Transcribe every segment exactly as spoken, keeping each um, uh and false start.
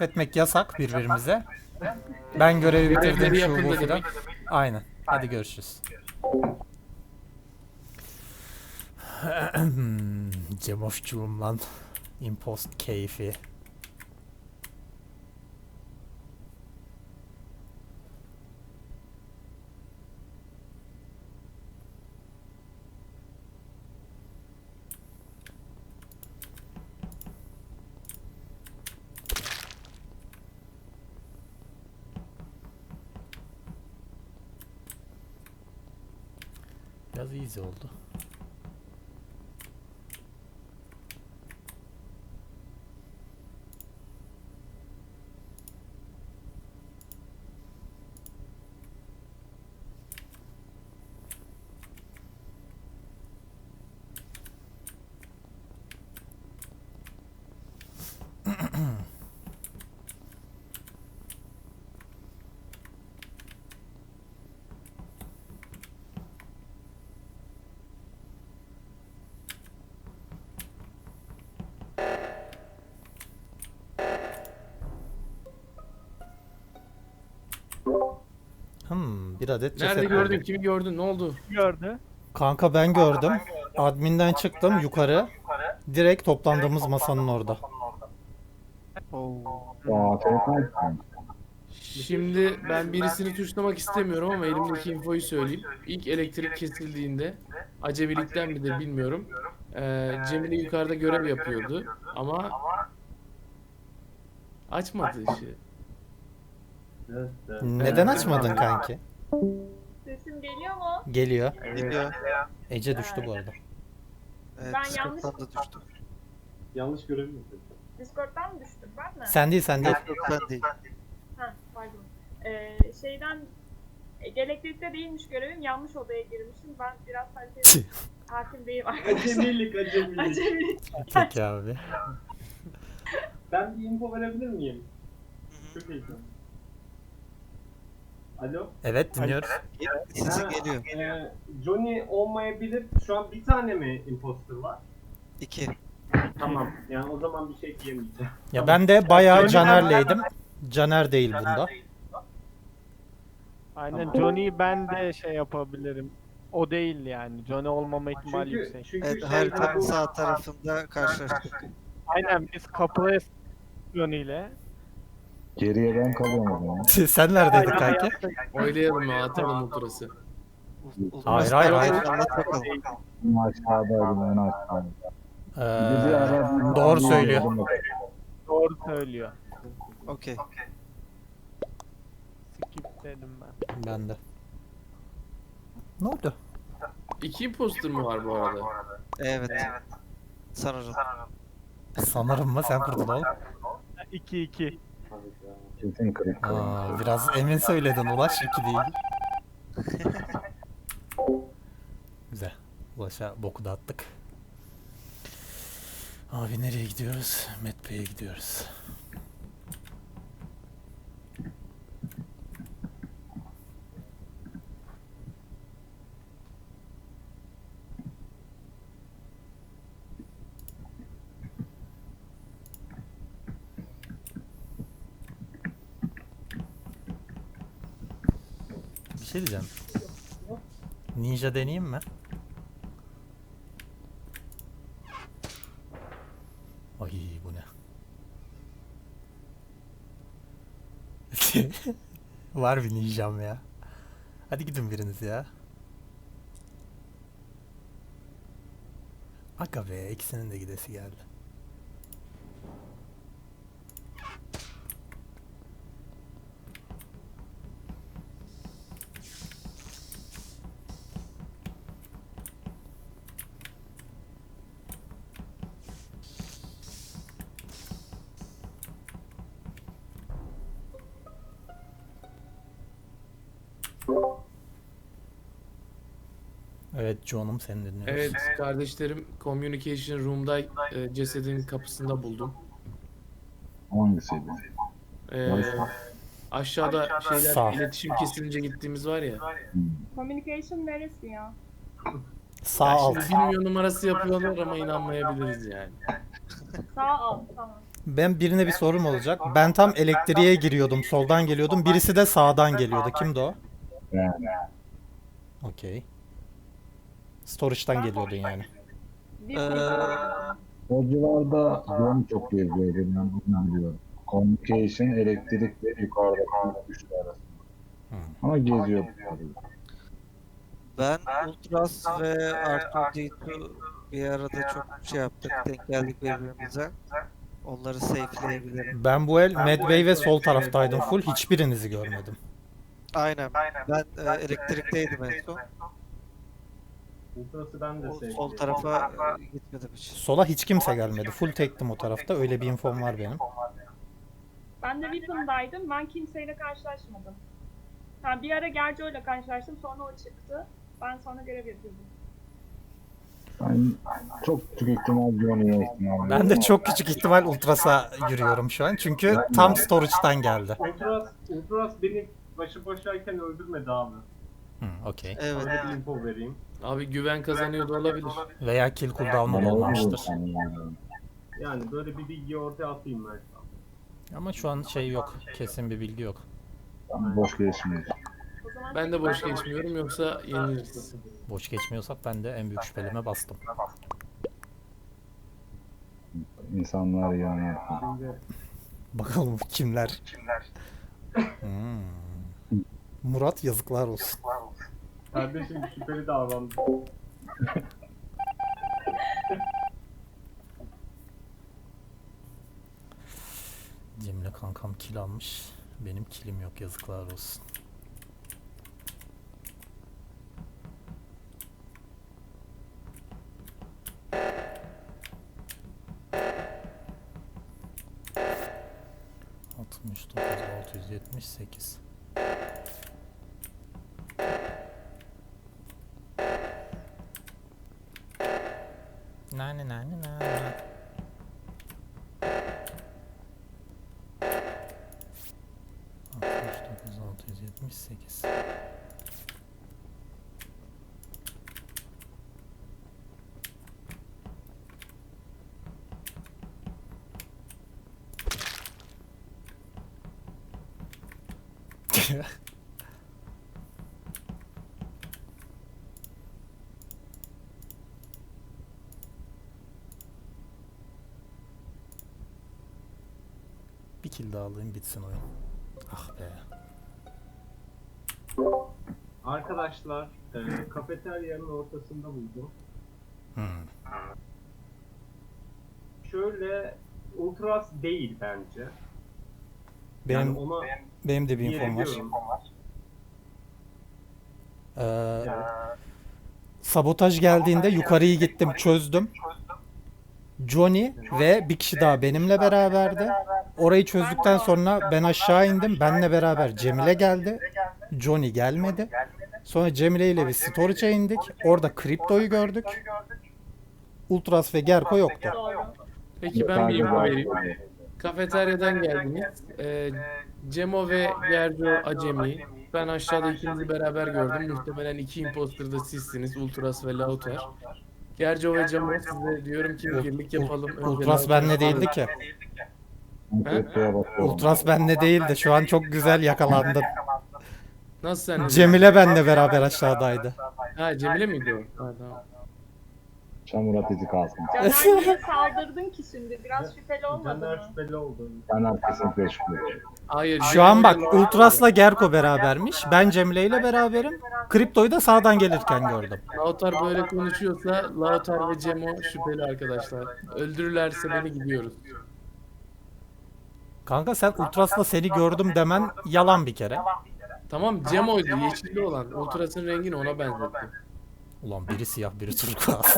itiraf etmek yasak birbirimize. Ben görevi bitirdim Görevleri şu bu yapıldı filan. demek. Aynen. Hadi görüşürüz. Cemofçuğum lan. Impost keyfi. Biraz easy oldu. Hmm, bir adet ceset Nerede gördün? buldum. Kimi gördün? Ne oldu? Gördü. Kanka ben gördüm. Adminden çıktım yukarı. Direkt toplandığımız masanın orada. Oo. Aa, telefon. Şimdi ben birisini tuşlamak istemiyorum ama elimdeki infoyu söyleyeyim. İlk elektrik kesildiğinde acemilikten midir bilmiyorum. Ee, Cemile yukarıda görev yapıyordu ama açmadı ışığı. Neden açmadın kanki? Sesim geliyor mu? Geliyor. Geliyor. Ece düştü bu arada. Evet, Ben yanlış- Discord'dan da düştüm. Yanlış görev mi? Discord'dan mı düştüm ben mi? Sen değil sen değil. Yok yok ben değil. Ha, pardon. Ee, şeyden e, elektrikte değilmiş görevim, yanlış odaya girmişim. Ben biraz haritaya hakim değilim arkadaşlar. Acemilik, acemilik. Acemilik. Peki abi. Ben bir info verebilir miyim? Çok iyi. Alo? Evet dinliyoruz. Sesin Ha, geliyor. e, Johnny olmayabilir. Şu an bir tane mi imposter var? İki. Tamam. Yani o zaman bir şey diyemeyeceğim. Ya ben de bayağı Caner'leydim. Caner değil bunda. Aynen Johnny'yi ben de şey yapabilirim. O değil yani. Johnny olmama ihtimali Çünkü, yüksek. çünkü Evet, şey- haritanın sağ tarafında karşılaştık. Aynen biz kapıya Johnny ile. Geriye ben kalıyorum o zaman. Sen neredeydin kanki? Oylayalım ya, atalım o turası. Hayır, hayır, hayır. Anlat bakalım. Ben aşağıdaydım, en aşağıda. Bir Ee, ara- doğru söylüyor. Doğru söylüyor. Okey. Skip dedim ben. Ben de. Ne oldu? İki imposter mı var bu arada? Evet. Sanırım. Sanırım mı? Sen kurdun oğlum. iki iki. Kesin kırık kalın. Aa, biraz emin söyledin Ulaş. iki değil. Güzel. Ulaş'a boku da attık. Abi nereye gidiyoruz? Medbay'e gidiyoruz. Bir şey diyeceğim. Ninja deneyeyim mi? Ay bu ne? Var bir ninjam ya. Hadi gidin biriniz ya. Aga be, ikisinin de gidesi geldi. Evet John'um seni dinliyoruz. Evet kardeşlerim Communication Room'da e, cesedin kapısında buldum. Hangisiydi? Ee, aşağıda şeyler Sağ. iletişim kesilince gittiğimiz var ya. Communication neresi ya? Sağ Ya alt. şimdi bilmiyor numarası yapıyorlar ama inanmayabiliriz yani. Sağ alt, tamam. Ben birine bir sorum olacak. Ben tam elektriğe giriyordum. Soldan geliyordum. Birisi de sağdan geliyordu. Kimdi o? Yani Okey. Storage'dan geliyordun yani. Bir Ee, o civarda yön çok geziyor. Ben bunu biliyorum. Communication, elektrik ve yukarıdaki güçler arasında. Hmm. Ama geziyor. Ben Ultras ve R iki D iki bir arada çok şey yaptık. Denk geldik birbirimize. Onları safe'leyebilirim. Ben bu el Medway ve sol taraftaydım full. Hiçbirinizi görmedim. Aynen. Ben e, elektrikteydim en son. Ultras'ı ben de O, sevdim. sol tarafa e, gitmedim hiç. Sola hiç kimse gelmedi. Full tektim o tarafta. Öyle bir infom var benim. Ben de Weapon'daydım. Ben kimseyle karşılaşmadım. Ha, bir ara Gerco'yla karşılaştım. Sonra o çıktı. Ben sonra görev yapıyordum. Ben çok küçük ihtimal Johnny'ye ihtimal. Ben de çok küçük ihtimal Ultras'a yürüyorum şu an. Çünkü tam storage'dan geldi. Ultras, Ultras beni başı boşayken öldürmedi abi. Hmm, okey. Evet. Öyle bir info vereyim. Abi güven kazanıyor da olabilir. Veya kill cooldown'u Bana olmamıştır. yani. Yani böyle bir bilgiyi ortaya atayım ben şu an. Ama şu an şey yok. Kesin bir bilgi yok. Ben boş geçmiyor. O zaman Ben de boş geçmiyorum yoksa yeniliriz. Boş geçmiyorsak ben de en büyük şüphelime bastım. İnsanlar yani. Şimdi Bakalım kimler? Hmm. Murat yazıklar olsun. kardeşim şüpheli davrandı. Cemile kankam kill almış. Benim killim yok, yazıklar olsun. altmış dokuz altı yüz yetmiş sekiz. Nane nane nane. altmış dokuz altı yüz yetmiş sekiz. Bir kill daha alayım bitsin oyun. Ah be. Arkadaşlar, e, kafeteryanın ortasında buldum. Hmm. Şöyle, Ultras değil bence. Benim Yani ona benim de bir infom var. diyebiliyorum. Ee, Yani, sabotaj geldiğinde yukarıyı gittim çözdüm. Johnny ve bir kişi daha benimle beraberdi. Orayı çözdükten sonra ben aşağı indim. Benle beraber Cemile geldi. Johnny gelmedi. Sonra Cemile ile bir storage'a indik. Orada Kripto'yu gördük. Ultras ve Gerko yoktu. doğru. Peki ben bir info vereyim. Kafeteryadan geldiniz. Ee, Cemo ve Gerco acemi. Ben aşağıda ikinizi beraber gördüm. Muhtemelen iki imposter da sizsiniz. Ultras ve Lauter. Gerco ve Cemo size diyorum ki birlik yapalım. Önce Ultras Lauter- benle değildi ki. Kriptoya bakıyorum. Ultras benle değildi. Şu an çok güzel yakalandın. Nasıl sen? Cemile benle beraber aşağıdaydı. Ha Cemile miydi o? Ha tamam. Çamur atıcı kalsın. Caner niye saldırdın ki şimdi? Biraz şüpheli olmadı Caner mı? şüpheli oldu. Ben kesinlikle şüpheli. Hayır. Şu an bak Cemile- Ultras'la Gerko berabermiş. Ben Cemile ile beraberim. Kripto'yu da sağdan gelirken gördüm. Lauter böyle konuşuyorsa Lauter ve Cemo şüpheli arkadaşlar. Öldürürlerse beni gidiyoruz. Kanka sen Ultras'la seni gördüm demen yalan bir kere. Tamam Cemo'ydu yeşilli olan. Ultras'ın rengini ona benzetti. Ulan biri siyah biri turkuaz.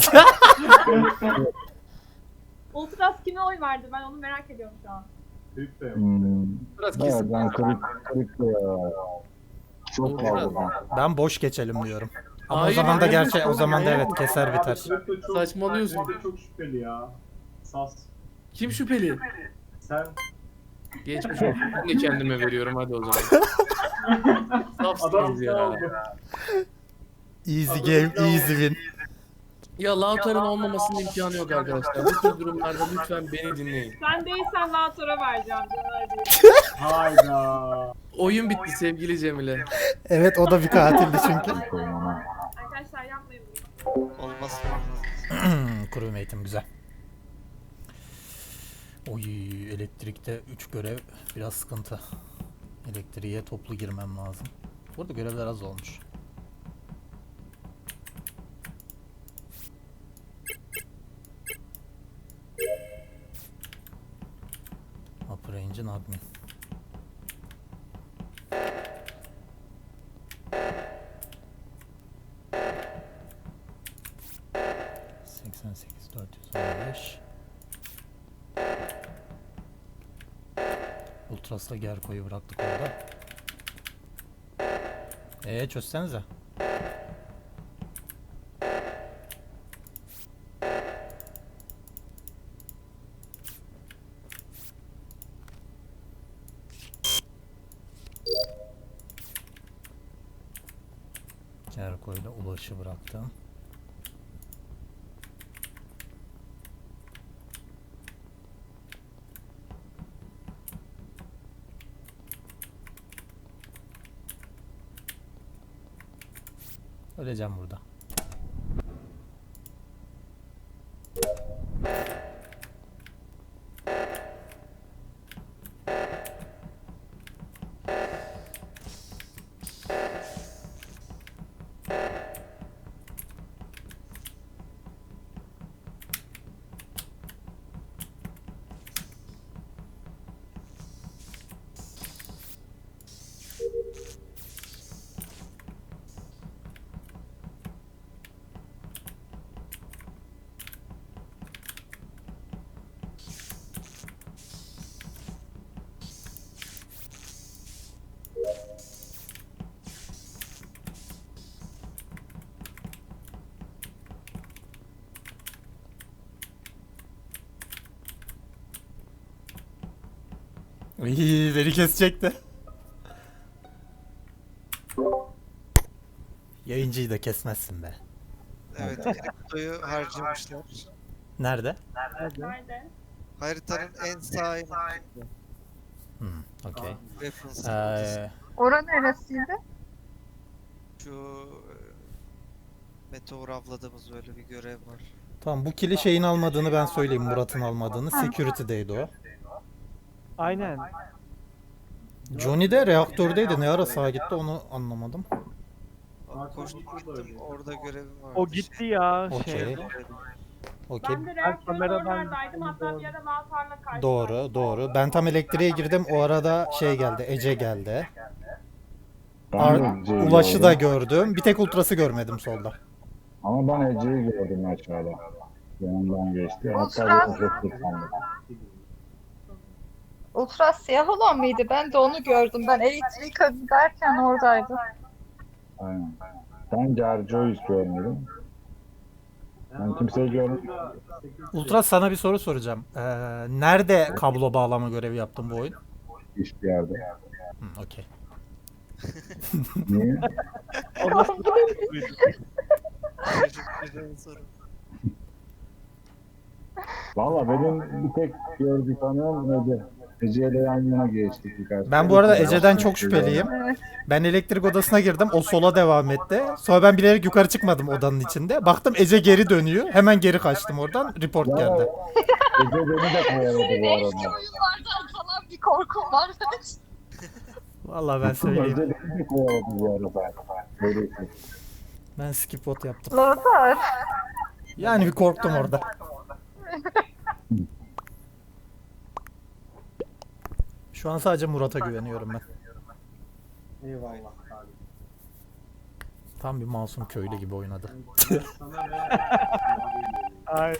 Ultras kime oy verdi? Ben onu merak ediyorum şu an. Kripto yok. Hmm. Ultras Evet, kesin. ben kripto, kripto ya. Çok fazla ben. Ben boş geçelim diyorum. Ama Hayır, o zaman da hayır, gerçi o hayır. zaman da evet keser biter. Kripto çok, Saçmalıyorsun. Kripto çok şüpheli ya. Sas. Kim şüpheli? Sen Geçmiş olsun. Ben de kendime veriyorum hadi o zaman. adam Safsınız sağ ya. oldu. Easy game, easy win. Ya Lautar'ın olmamasının imkanı yok arkadaşlar. Bu tür durumlarda lütfen beni dinleyin. Sen değilsen Lautor'a vereceğim Caner diye. Hayda. Oyun bitti sevgili Cemile. Evet, o da bir katildi çünkü. Arkadaşlar yapmayın bunu. Olmaz. Kuru eğitim güzel. Oy, elektrikte üç görev biraz sıkıntı. Elektriğe toplu girmem lazım. Burada görevler az olmuş. Upper Engine Admin. seksen sekiz dört yüz on beş. Ultras'la Gerko'yu bıraktık orada. Eee çözsenize. Gerko'yla Ulaş'ı bıraktım. Öleceğim burada. İyi, beni kesecekti. Yayıncıyı da kesmezsin be. Evet, kriptoyu harcamışlar. Nerede? Nerede? Haritanın en sağ yanında. Hmm, okey. Weapons Ee, Ora neresiydi? Şu e, meteor avladığımız böyle bir görev var. tamam, bu kili şeyin almadığını ben söyleyeyim, Murat'ın almadığını. Security'deydi o. Aynen. Johnny de reaktördeydi. Ne ara sağa gitti onu anlamadım. Abi koştum gittim, orada görevim vardı. O gitti ya Okey. şey. Okey. Ben de reaktörün kameradan oralardaydım. Hatta bir ara Lautor'la karşılaştım. Doğru, doğru. Ben tam elektriğe girdim. O arada şey geldi, Ece geldi. Ar- Ben de Ece'yi Ulaş'ı da gördüm. gördüm. Bir tek Ultras'ı görmedim solda. Ama ben Ece'yi gördüm aşağıda. Yanından geçti. Hatta Ultras. bir efekt sandım. Ultra siyah olan mıydı? Ben de onu gördüm. Ben elektrik derken oradaydı. Aynen. Ben Gerco'yu görmedim. Ben kimseyi görmedim. Ultras, sana bir soru soracağım. Ee, nerede kablo bağlama görevi yaptın bu oyun? Hiçbir yerde. Hı, okey. Niye? O nasıl Güzel soru. Valla benim bir tek gördüğü tanıyorum Ece. Ece ile yan yana geçtik birkaç. Ben bu arada Ece'den çok şüpheliyim. Ben elektrik odasına girdim. O sola devam etti. Sonra ben bilerek yukarı çıkmadım odanın içinde. Baktım Ece geri dönüyor. Hemen geri kaçtım oradan. Report geldi. Ece beni de kovaladı bu arada. oyunlardan falan bir korkum var. Vallahi ben söyleyeyim. Ece beni de kovaladı bu arada. Böyle bir şey. Ben skip vote yaptım. Lothar. Yani bir korktum orada. Şu an sadece Murat'a güveniyorum ben. Eyvallah abi. Tam bir masum köylü gibi oynadı. Sana ve Ay,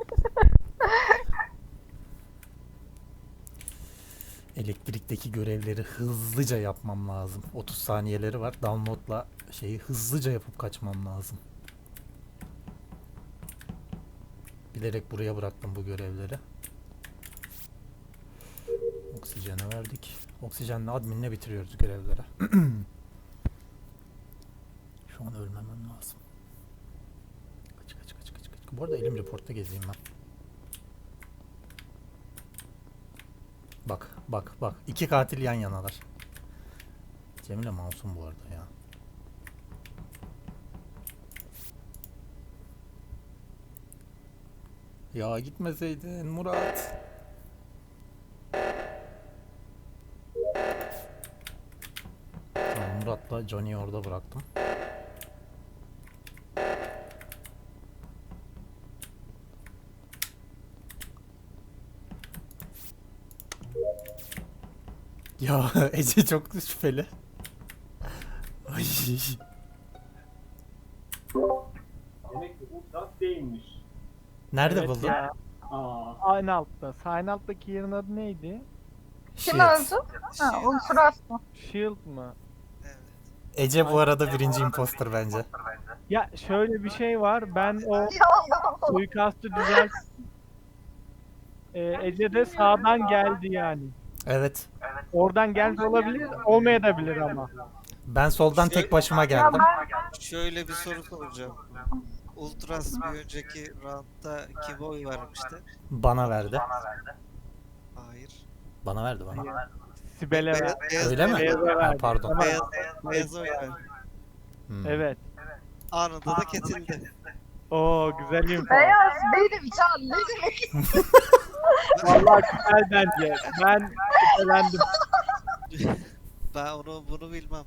Elektrikteki görevleri hızlıca yapmam lazım. otuz saniyeleri var. Download'la şeyi hızlıca yapıp kaçmam lazım. Bilerek buraya bıraktım bu görevleri. Oksijene verdik. Oksijenle adminle bitiriyoruz görevleri. Şu an ölmemem lazım. Kaç kaç kaç kaç kaç. Bu arada elim reportta gezeyim ben. Bak bak bak. İki katil yan yanalar. Cemile masum bu arada ya. Ya gitmeseydin Murat. Tamam, Murat'la Johnny'yi orada bıraktım. Ya Ece çok şüpheli. Ay. Demek ki Ultras değilmiş. Nerede Evet buldun? ya. Aa. Aynı altta. Sağ alttaki yerin adı neydi? Kim Shit. öldü? Ha, Ultras mı? Shield mı? Evet. Ece bu arada birinci imposter bence. Ya şöyle bir şey var. Ben o Ya Allah'ım. suikastı düzelt... Ee, Ece de sağdan geldi yani. Evet. Oradan geldi olabilir, olmayabilir ama. Ben soldan Şey- tek başıma Ya geldim. ben Şöyle bir soru soracağım. Ultras bir önceki roundda kime oy vermişti? Bana verdi. Hayır. Bana verdi bana. Sibel'e ver. Beyaz, beyaz, Öyle mi? Beyaz'a Ha, verdi. pardon. Ama- Beyaz, beyaz oy verdi. Hmm. Evet. Anında da kesildi. Oo güzel info. beyaz benim can. Ne demek? Vallahi güzel bence. Ben şüphelendim. Ben onu bunu bilmem.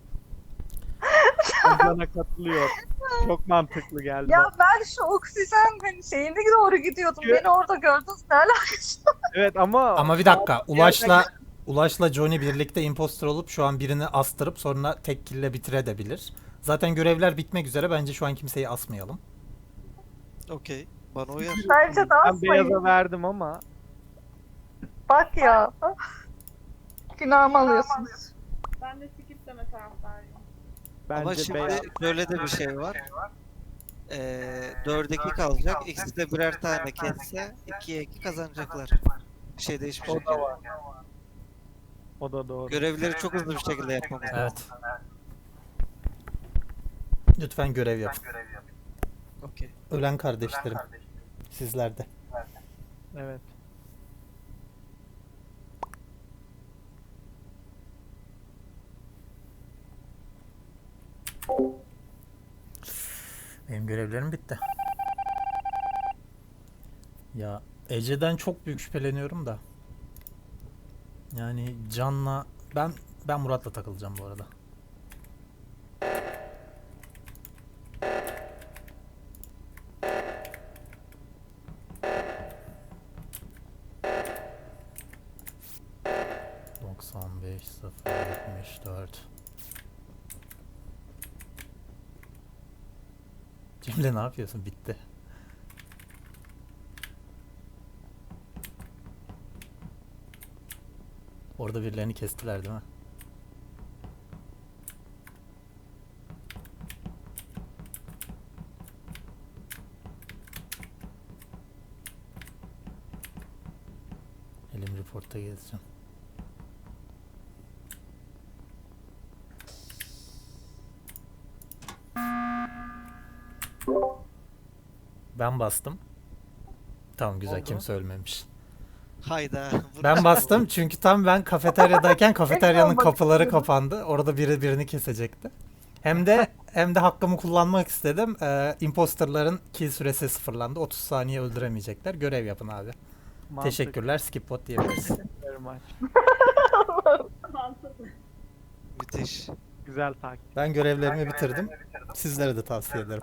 Can'a katılıyor. Çok mantıklı geldi. Ya ben şu oksijen hani şeyine doğru gidiyordum. Çünkü- Beni orada gördün. Ne alakası? Evet ama Ama bir dakika. Ulaş'la Ulaş'la Johnny birlikte imposter olup şu an birini astırıp sonra tek kill'le bitirebilir. Zaten görevler bitmek üzere. Bence şu an kimseyi asmayalım. Okey. Bana uyar. Bence de ben asmayın. beyaza verdim ama Bak ya. Günahımı alıyorsunuz. Ben de skip deme taraftarıyım. bence Ama şimdi beyaz. şöyle de bir şey var. Ee, dörde iki kalacak. İkisi de birer tane kesse ikiye iki kazanacaklar. Bir şey değişmeyecek. O da yani. var. O da doğru. Görevleri çok hızlı bir şekilde yapmamız lazım. Evet. Lütfen görev yapın. Okey. Ölen kardeşlerim. Sizler de. Evet. Benim görevlerim bitti. Ya Ece'den çok büyük şüpheleniyorum da. Yani Can'la ben ben Murat'la takılacağım bu arada. doksan beş sıfır yetmiş dört. Cemile ne yapıyorsun? Bitti. Orada birilerini kestiler değil mi? Elim reporta gezeceğim. Ben bastım. Tamam güzel, Oldu. kimse ölmemiş. Hayda. bu- Ben bastım çünkü tam ben kafeteryadayken kafeteryanın olmak kapıları istiyorum. kapandı. Orada biri birini kesecekti. Hem de hem de hakkımı kullanmak istedim. Ee, imposterların kill süresi sıfırlandı. otuz saniye öldüremeyecekler. Görev yapın abi. Mantıklı. Teşekkürler. Skip bot diyebiliriz. Very much. Mantıklı. Müthiş. Güzel takip. Ben görevlerimi bitirdim. Sizlere de tavsiye ederim.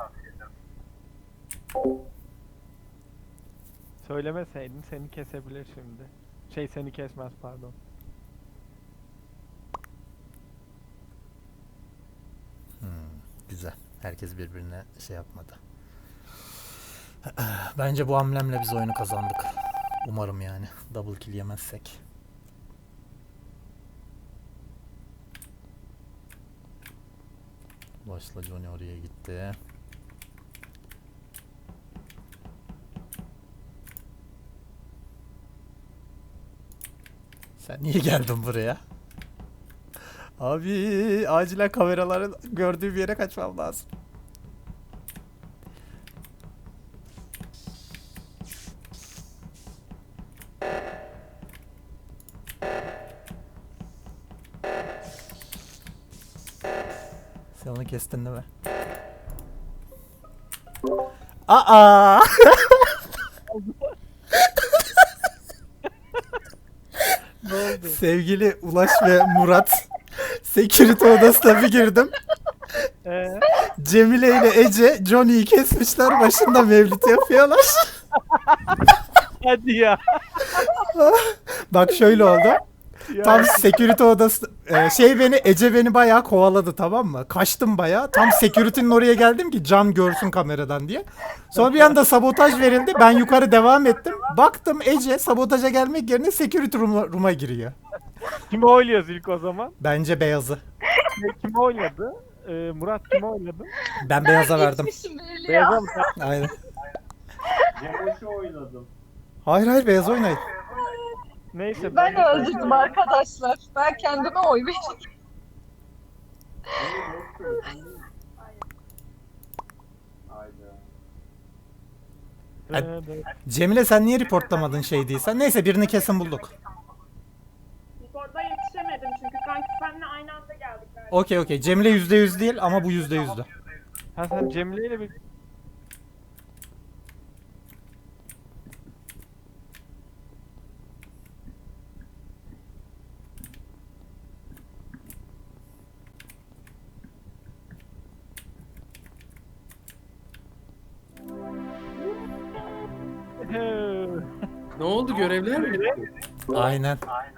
Söylemeseydin seni kesebilir şimdi. Şey seni kesmez pardon. Hmm, güzel. Herkes birbirine şey yapmadı. Bence bu hamlemle biz oyunu kazandık. Umarım yani. Double kill yemezsek. Başla Johnny oraya gitti. Sen niye geldin buraya? Abi acilen kameraların gördüğü bir yere kaçmam lazım. kestin değil mi? Aa! Ne oldu? Sevgili Ulaş ve Murat, security odasına bir girdim. Ee, Cemile ile Ece Johnny'yi kesmişler, başında mevlüt yapıyorlar. hadi ya. Bak şöyle oldu. Ya. Tam security odası e, şey beni Ece beni bayağı kovaladı, tamam mı? Kaçtım bayağı. Tam security'nin oraya geldim ki Can görsün kameradan diye. Sonra bir anda sabotaj verildi. Ben yukarı devam ettim. Baktım Ece sabotaja gelmek yerine security room'a, room'a giriyor. Kimi oyluyoruz ilk o zaman? Bence beyazı. Ne, Kimi oyladı? Ee, Murat kimi oyladı? Ben beyaza verdim. Geçmişim belli ya. Beyaz'a mı? Aynen. Cemoş'u oynadım. Hayır hayır beyaz oynayın. Neyse. Ben de öldürdüm arkadaşlar. Ben kendime oy verdim. Hayda. Evet. Cemile sen niye reportlamadın şey değilsen? Neyse birini kesin bulduk. Orada yetişemedim çünkü kanki seninle aynı anda geldik. galiba. Okey okey. Cemile yüzde yüz değil ama bu yüzde yüzdü. Ha sen Cemile ile bir... Ne oldu, görevler mi bitti? Aynen.